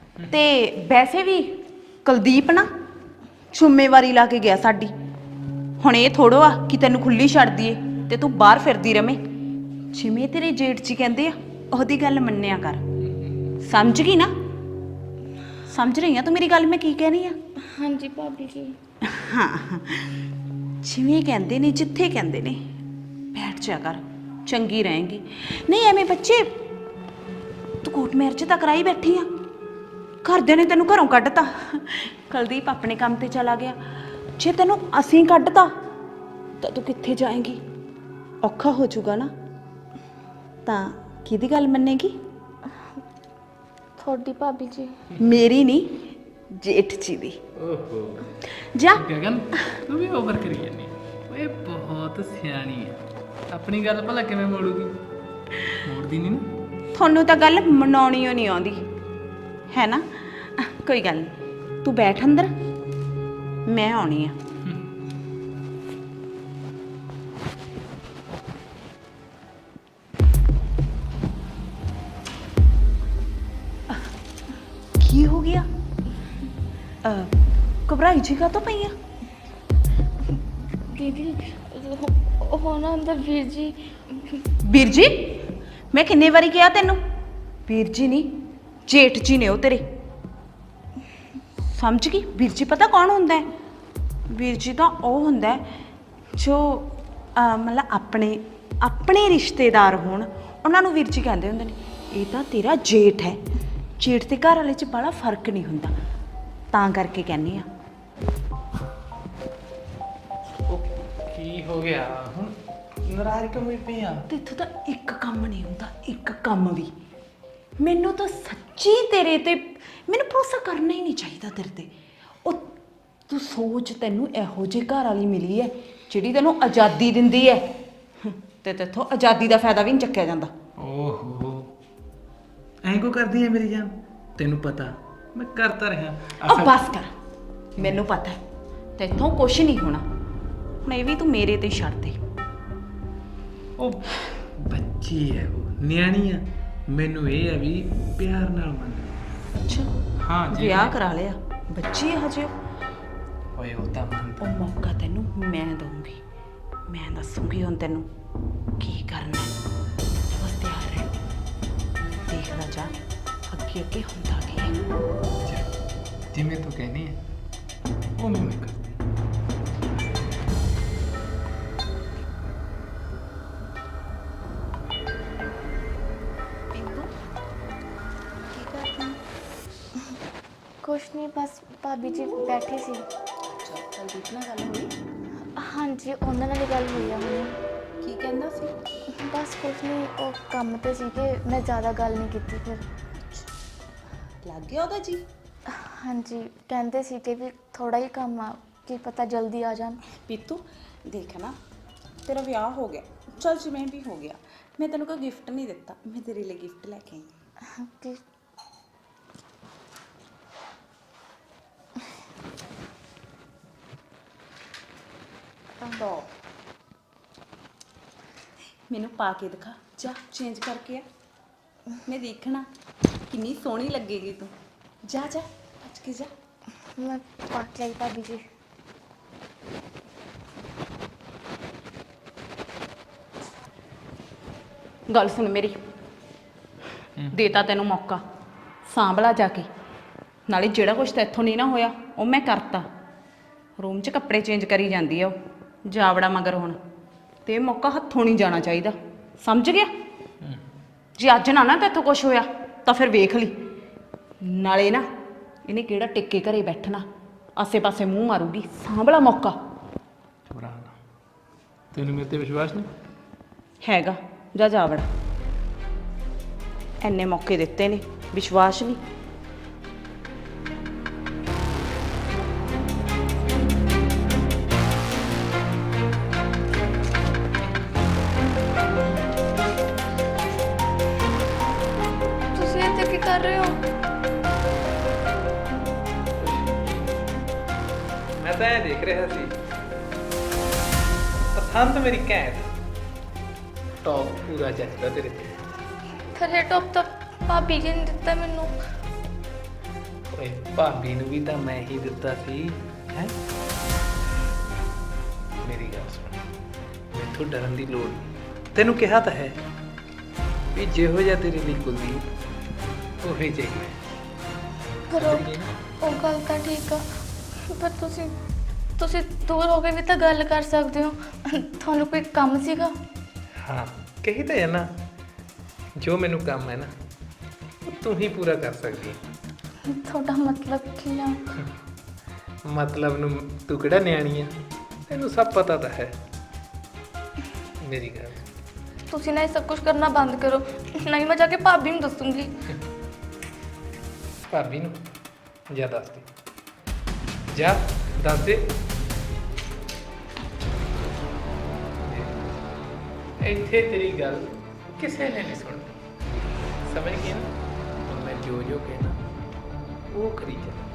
S1: ਤੇ ਵੈਸੇ ਵੀ ਕੁਲਦੀਪ ਨਾ ਜ਼ਿੰਮੇਵਾਰੀ ਲਾ ਕੇ ਗਿਆ ਸਾਡੀ, ਹੁਣ ਇਹ ਥੋੜੋ ਆ ਕਿ ਤੈਨੂੰ ਖੁੱਲੀ ਛੱਡ ਦਈਏ ਤੇ ਤੂੰ ਬਾਹਰ ਫਿਰਦੀ ਰਵੇਂ। ਜਿਵੇਂ ਤੇਰੇ ਜੇਠ ਜੀ ਕਹਿੰਦੇ ਆ ਉਹਦੀ ਗੱਲ ਮੰਨਿਆ ਕਰ। ਸਮਝ ਗਈ ਨਾ? ਸਮਝ ਰਹੀ ਆ ਤੂੰ ਮੇਰੀ ਗੱਲ ਮੈਂ ਕੀ ਕਹਿ ਰਹੀ ਆ?
S2: ਹਾਂਜੀ ਭਾਬੀ ਜੀ।
S1: ਹਾਂ ਜਿਵੇਂ ਕਹਿੰਦੇ ਨੇ ਜਿੱਥੇ ਕਹਿੰਦੇ ਨੇ ਬੈਠ ਜਾ ਕਰ, ਚੰਗੀ ਰਹੇਂਗੀ। ਨਹੀਂ ਐਵੇਂ ਬੱਚੇ ਤੂੰ ਕੋਰਟ ਮੈਰਿਜ ਤਾਂ ਕਰਾਈ ਬੈਠੀ ਆ, ਘਰਦਿਆਂ ਨੇ ਤੈਨੂੰ ਘਰੋਂ ਕੱਢਤਾ, ਕੁਲਦੀਪ ਆਪਣੇ ਕੰਮ ਤੇ ਚਲਾ ਗਿਆ। ਜੇ ਤੈਨੂੰ ਅਸੀਂ ਕੱਢਤਾ ਤਾਂ ਤੂੰ ਕਿੱਥੇ ਜਾਏਂਗੀ? ਔਖਾ ਹੋ ਜਾਊਗਾ ਨਾ। ਤਾਂ ਕਿਹਦੀ ਗੱਲ ਮੰਨੇਗੀ?
S2: ਤੁਹਾਡੀ ਭਾਬੀ ਜੀ।
S1: ਮੇਰੀ ਨਹੀਂ, ਜੇਠ ਜੀ ਦੀ।
S3: ਓਹੋ
S1: ਜਾ
S3: ਗਗਨ ਤੂੰ ਵੀ ਓਵਰ ਕਰੀ ਜਾਂਦੀ ਓਏ, ਬਹੁਤ ਸਿਆਣੀ ਹੈ। ਆਪਣੀ ਗੱਲ ਭਲਾ ਕਿਵੇਂ ਮੋੜੂਗੀ? ਮੋੜਦੀ ਨਹੀਂ ਨਾ।
S1: ਤੁਹਾਨੂੰ ਤਾਂ ਗੱਲ ਮਨਾਉਣੀ ਓ ਨਹੀਂ ਆਉਂਦੀ ਹੈ ਨਾ। ਕੋਈ ਗੱਲ ਨਹੀਂ, ਤੂੰ ਬੈਠ ਅੰਦਰ, ਮੈਂ ਆਉਣੀ ਆ। ਕੀ ਹੋ ਗਿਆ? ਅਹ, ਘਬਰਾਈ ਜੀ ਕਾ ਤੋਂ ਪਈ ਆ?
S2: ਦੀਦੀ ਉਹ- ਉਹ ਨਾ ਅੰਦਰ ਵੀਰ ਜੀ।
S1: ਵੀਰ ਜੀ? ਮੈਂ ਕਿੰਨੇ ਵਾਰੀ ਕਿਹਾ ਤੈਨੂੰ? ਵੀਰ ਜੀ ਨਹੀਂ, ਜੇਠ ਜੀ ਨੇ ਉਹ ਤੇਰੇ। ਸਮਝ ਗਈ? ਵੀਰ ਜੀ ਪਤਾ ਕੌਣ ਹੁੰਦਾ ਹੈ? ਵੀਰ ਜੀ ਤਾਂ ਉਹ ਹੁੰਦਾ ਹੈ ਜੋ ਅਹ, ਮਤਲਬ ਆਪਣੇ ਆਪਣੇ ਰਿਸ਼ਤੇਦਾਰ ਹੋਣ ਉਹਨਾਂ ਨੂੰ ਵੀਰ ਜੀ ਕਹਿੰਦੇ ਹੁੰਦੇ ਨੇ। ਇਹ ਤਾਂ ਤੇਰਾ ਜੇਠ ਹੈ। ਜੇਠ ਤੇ ਘਰ ਵਾਲੇ 'ਚ ਬੜਾ ਫਰਕ ਨਹੀਂ ਹੁੰਦਾ, ਤਾਂ ਕਰਕੇ ਕਹਿੰਦੀ ਆ।
S3: ਉਹ ਕੀ ਹੋ ਗਿਆ ਹੁਣ? ਨਾਰਾਜ਼ ਕਿਉਂ ਪਈ ਆ?
S1: ਤੇ ਇੱਥੋਂ ਤਾਂ ਇੱਕ ਕੰਮ ਨਹੀਂ ਹੁੰਦਾ, ਇੱਕ ਕੰਮ ਵੀ। ਮੈਨੂੰ ਤਾਂ ਸੱਚੀ ਤੇਰੇ ਤੇ ਮੈਨੂੰ ਭਰੋਸਾ ਕਰਨਾ ਹੀ ਨਹੀਂ ਚਾਹੀਦਾ ਤੇਰੇ ਤੇ। ਉਹ ਤੂੰ ਸੋਚ, ਤੈਨੂੰ ਇਹੋ ਜਿਹੀ ਘਰ ਵਾਲੀ ਮਿਲੀ ਹੈ ਜਿਹੜੀ ਤੈਨੂੰ ਆਜ਼ਾਦੀ ਦਿੰਦੀ ਹੈ, ਤੇ ਤੇਥੋਂ ਆਜ਼ਾਦੀ ਦਾ ਫਾਇਦਾ ਵੀ ਨਹੀਂ ਚੱਕਿਆ ਜਾਂਦਾ।
S3: ਓਹੋ ਐਂ ਕੋ ਕਰਦੀ ਹੈ ਮੇਰੀ ਜਾਨ? ਤੈਨੂੰ ਪਤਾ ਮੈਂ ਕਰਤਾ ਰਿਹਾ।
S1: ਆ ਬਸ ਕਰ, ਮੈਨੂੰ ਪਤਾ ਹੈ ਤੇਥੋਂ ਕੁਛ ਨਹੀਂ ਹੋਣਾ। ਹੁਣ ਇਹ ਵੀ ਤੂੰ ਮੇਰੇ ਤੇ ਹੀ ਛੱਡ ਦੇ।
S3: ਉਹ ਬੱਚੀ ਹੈ, ਉਹ ਨਿਆਣੀ ਆ। ਮੈਨੂੰ ਇਹ ਹੈ ਵੀ ਪਿਆਰ ਨਾਲ ਮੰਨ।
S1: ਅੱਛਾ
S3: ਹਾਂ ਜੀ।
S1: ਵਿਆਹ ਕਰਾ ਲਿਆ, ਬੱਚੀ ਹੈ ਹਜੇ।
S3: ਓਏ ਉਹ ਤਾਂ ਮੰਨ।
S1: ਉਹ ਮੌਕਾ ਤੈਨੂੰ ਮੈਂ ਦਊਂਗੀ, ਮੈਂ ਦੱਸੂਗੀ ਹੁਣ ਤੈਨੂੰ ਕੀ ਕਰਨਾ ਹੈ। ਬਸ ਤਿਆਰ ਰਹਿ, ਦੇਖਦਾ ਜਾ ਅੱਗੇ ਅੱਗੇ ਹੁੰਦਾ ਕੀ ਹੈ।
S3: ਚੱਲ, ਜਿਵੇਂ ਤੂੰ ਕਹਿੰਦੀ ਹੈ ਉਹ ਮੈਂ ਕਰਦੀ।
S2: ਕੁਛ ਨਹੀਂ, ਬਸ ਭਾਬੀ ਜੀ ਬੈਠੇ ਸੀ।
S1: ਕੁਲਦੀਪ ਨਾਲ ਗੱਲ ਹੋਈ?
S2: ਹਾਂਜੀ ਉਹਨਾਂ ਨਾਲ ਹੀ ਗੱਲ ਹੋਈ ਆ ਹੁਣੇ।
S1: ਕੀ ਕਹਿੰਦਾ ਸੀ?
S2: ਬਸ ਕੁਛ ਨਹੀਂ, ਉਹ ਕੰਮ ਤੇ ਸੀਗੇ, ਮੈਂ ਜ਼ਿਆਦਾ ਗੱਲ ਨਹੀਂ ਕੀਤੀ ਫਿਰ।
S1: ਲੱਗ ਗਿਆ ਉਹਦਾ ਜੀ?
S2: ਹਾਂਜੀ ਕਹਿੰਦੇ ਸੀ ਕਿ ਵੀ ਥੋੜਾ ਹੀ ਕੰਮ ਆ, ਕੀ ਪਤਾ ਜਲਦੀ ਆ ਜਾਣ।
S1: ਪੀਤੂ ਦੇਖ ਨਾ, ਤੇਰਾ ਵਿਆਹ ਹੋ ਗਿਆ, ਚੱਲ ਜਿਵੇਂ ਵੀ ਹੋ ਗਿਆ, ਮੈਂ ਤੈਨੂੰ ਕੋਈ ਗਿਫਟ ਨਹੀਂ ਦਿੱਤਾ। ਮੈਂ ਤੇਰੇ ਲਈ ਗਿਫਟ ਲੈ ਕੇ ਆਈ।
S2: ਕਿ
S1: ਟੌਪ ਮੈਨੂੰ ਪਾ ਕੇ ਦਿਖਾ, ਜਾ ਚੇਂਜ ਕਰਕੇ ਆ, ਮੈਂ ਦੇਖਣਾ ਕਿੰਨੀ ਸੋਹਣੀ ਲੱਗੇਗੀ ਤੂੰ। ਜਾ ਜਾ ਭੱਜ ਕੇ ਜਾ।
S2: ਮੈਂ ਪਾ ਕੇ ਆਈ ਭਾਬੀ ਜੀ।
S1: ਗੱਲ ਸੁਣ ਮੇਰੀ, ਦੇਤਾ ਤੈਨੂੰ ਮੌਕਾ, ਸਾਂਭਲਾ ਜਾ ਕੇ। ਨਾਲੇ ਜਿਹੜਾ ਕੁਛ ਤਾਂ ਇੱਥੋਂ ਨਹੀਂ ਨਾ ਹੋਇਆ ਉਹ ਮੈਂ ਕਰਤਾ। ਰੂਮ 'ਚ ਕੱਪੜੇ ਚੇਂਜ ਕਰੀ ਜਾਂਦੀ ਆ ਉਹ, ਜਾਵੜਾ ਮਗਰ ਹੁਣ। ਤੇ ਇਹ ਮੌਕਾ ਹੱਥੋਂ ਨਹੀਂ ਜਾਣਾ ਚਾਹੀਦਾ, ਸਮਝ ਗਿਆ? ਜੇ ਅੱਜ ਨਾ ਨਾ ਤਾਂ ਇੱਥੋਂ ਕੁਛ ਹੋਇਆ ਤਾਂ ਫਿਰ ਵੇਖ ਲਈ। ਨਾਲੇ ਨਾ ਇਹਨੇ ਕਿਹੜਾ ਟਿੱਕੇ ਘਰੇ ਬੈਠਣਾ, ਆਸੇ-ਪਾਸੇ ਮੂੰਹ ਮਾਰੂਗੀ। ਸਾਂਭਲਾ ਮੌਕਾ।
S3: ਚੁਰਾ ਨਾ, ਤੈਨੂੰ ਮੇਰੇ ਤੇ ਵਿਸ਼ਵਾਸ ਨਹੀਂ
S1: ਹੈਗਾ? ਜਾ ਜਾਵੜਾ, ਐਨੇ ਮੌਕੇ ਦਿੱਤੇ ਨੇ, ਵਿਸ਼ਵਾਸ ਨਹੀਂ।
S2: ਤੁਸੀਂ ਇੱਥੇ ਕੀ ਕਰ ਰਹੇ ਹੋ?
S3: ਮੈਂ ਤਾਂ ਇਹ ਦੇਖ ਰਿਹਾ ਸੀ, ਪਸੰਦ ਮੇਰੀ ਘੈਂਟ ਟੌਪ ਪੂਰਾ ਜੱਜਦਾ ਤੇਰੇ ਤੇ।
S2: ਫਿਰ ਇਹ ਟੌਪ ਤਾਂ ਭਾਬੀ ਜੀ ਨੇ ਦਿੱਤਾ ਮੈਨੂੰ।
S3: ਓਏ ਭਾਬੀ ਨੂੰ ਵੀ ਤਾਂ ਮੈਂ ਹੀ ਦਿੱਤਾ ਸੀ ਹੈ। ਮੈਥੋਂ ਡਰਨ ਦੀ ਲੋੜ ਨਹੀਂ। ਤੈਨੂੰ ਕਿਹਾ ਤਾਂ ਹੈ ਵੀ ਜਿਹੋ ਜਿਹਾ ਤੇਰੇ ਲਈ ਕੁਲਦੀਪ ਉਹੀ ਚਾਹੀਦਾ।
S2: ਪਰ ਉਹ ਉਹ ਗੱਲ ਤਾਂ ਠੀਕ ਆ, ਪਰ ਤੁਸੀਂ ਤੁਸੀਂ ਦੂਰ ਹੋ ਕੇ ਵੀ ਤਾਂ ਗੱਲ ਕਰ ਸਕਦੇ ਹੋ। ਤੁਹਾਨੂੰ ਕੋਈ ਕੰਮ ਸੀਗਾ?
S3: ਹਾਂ ਕਹੀ ਤਾਂ ਹੈ ਨਾ, ਜੋ ਮੈਨੂੰ ਕੰਮ ਹੈ ਨਾ ਉਹ ਤੂੰ ਹੀ ਪੂਰਾ ਕਰ ਸਕਦੀ ਹੈ।
S2: ਤੁਹਾਡਾ ਮਤਲਬ ਕੀ ਆ?
S3: ਮਤਲਬ ਨੂੰ ਤੂੰ ਕਿਹੜਾ ਨਿਆਣੀ ਆ, ਤੈਨੂੰ ਸਭ ਪਤਾ ਤਾਂ ਹੈ। ਮੇਰੀ ਗੱਲ
S2: ਤੁਸੀਂ ਨਾ ਇਹ ਸਭ ਕੁਝ ਕਰਨਾ ਬੰਦ ਕਰੋ, ਨਹੀਂ ਮੈਂ ਜਾ ਕੇ ਭਾਬੀ ਨੂੰ ਦੱਸੂੰਗੀ।
S3: ਭਾਬੀ ਨੂੰ ਜਾ ਦੱਸ ਦੇ, ਜਾ ਦੱਸ ਦੇ। ਇੱਥੇ ਤੇਰੀ ਗੱਲ ਕਿਸੇ ਨੇ ਨਹੀਂ ਸੁਣਨੀ, ਸਮਝ ਗਈ ਨਾ? ਹੁਣ ਮੈਂ ਜੋ ਜੋ ਕਹਿਣਾ ਉਹ ਕਰੀ ਜਾ।